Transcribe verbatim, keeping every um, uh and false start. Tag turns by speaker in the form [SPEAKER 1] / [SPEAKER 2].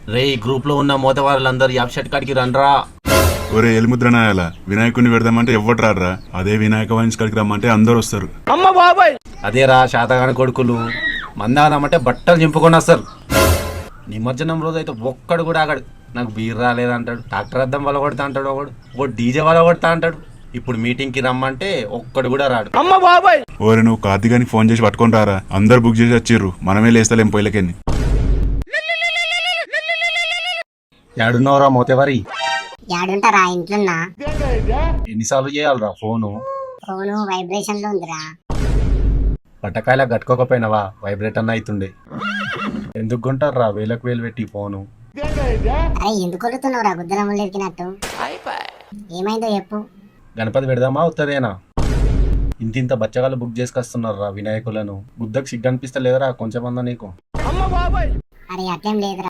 [SPEAKER 1] రే ఈ గ్రూప్ లో ఉన్న మోతవారులందరూ యాప్ షర్ట్ కాడికి రండ్రా.
[SPEAKER 2] ఒరే ఎలిముద్ర నాయాల వినాయకుడిని పెడదామంటే ఎవ్వరు రారా, అదే వినాయక వాయిన్స్ కాడికి రమ్మంటే అందరు వస్తారు.
[SPEAKER 1] అదేరా శాతగాని కొడుకులు మందానమంటే బట్టలు చింపుకొని వస్తారు. నిమజ్జనం రోజు అయితే ఒక్కడు కూడా ఆగడు. నాకు బీర్ రాలేదంటాడు, ట్రాక్టర్ అద్దం వల్ల కొడతా అంటాడు, ఒకడు ఒకటి డీజే వల్ల కొడతా అంటాడు. ఇప్పుడు మీటింగ్ కి రమ్మంటే ఒక్కడు కూడా రాడు.
[SPEAKER 2] ఓరే నువ్వు కార్తీగానికి ఫోన్ చేసి పట్టుకొని రారా, అందరు బుక్ చేసి వచ్చిర్రు, మనమే లేస్తలేం పొయ్యిలకెళ్ళి.
[SPEAKER 1] ఏడున్నవరా మోతేవారి?
[SPEAKER 3] యాడుంటారా ఇంట్లోన్నా?
[SPEAKER 1] ఎన్నిసార్లు చేయాలరా ఫోను?
[SPEAKER 3] ఫోను వైబ్రేషన్ లో ఉందిరా.
[SPEAKER 1] పట్టకాయలా కట్టుకోకపోయినావా? వైబ్రేట్ అన్న అవుతుండే. ఎందుకు కొంటారా వేలకు వేలు పెట్టి ఫోను?
[SPEAKER 3] అరే ఎందుకు కొడుతున్నావురా గుద్దలములు ఎక్కినట్టు? ఏమైందో చెప్పు.
[SPEAKER 1] గణపతి పెడదామా ఉత్తదేనా? ఇంత ఇంత బచ్చగాళ్ళు బుక్ చేసుకొస్తున్నారా వినాయకులను. బుద్ధకు సిగ్గు అనిపిస్తలేదురా కొంచెం అన్నా నీకు?
[SPEAKER 3] అరే అట్లేం లేదురా.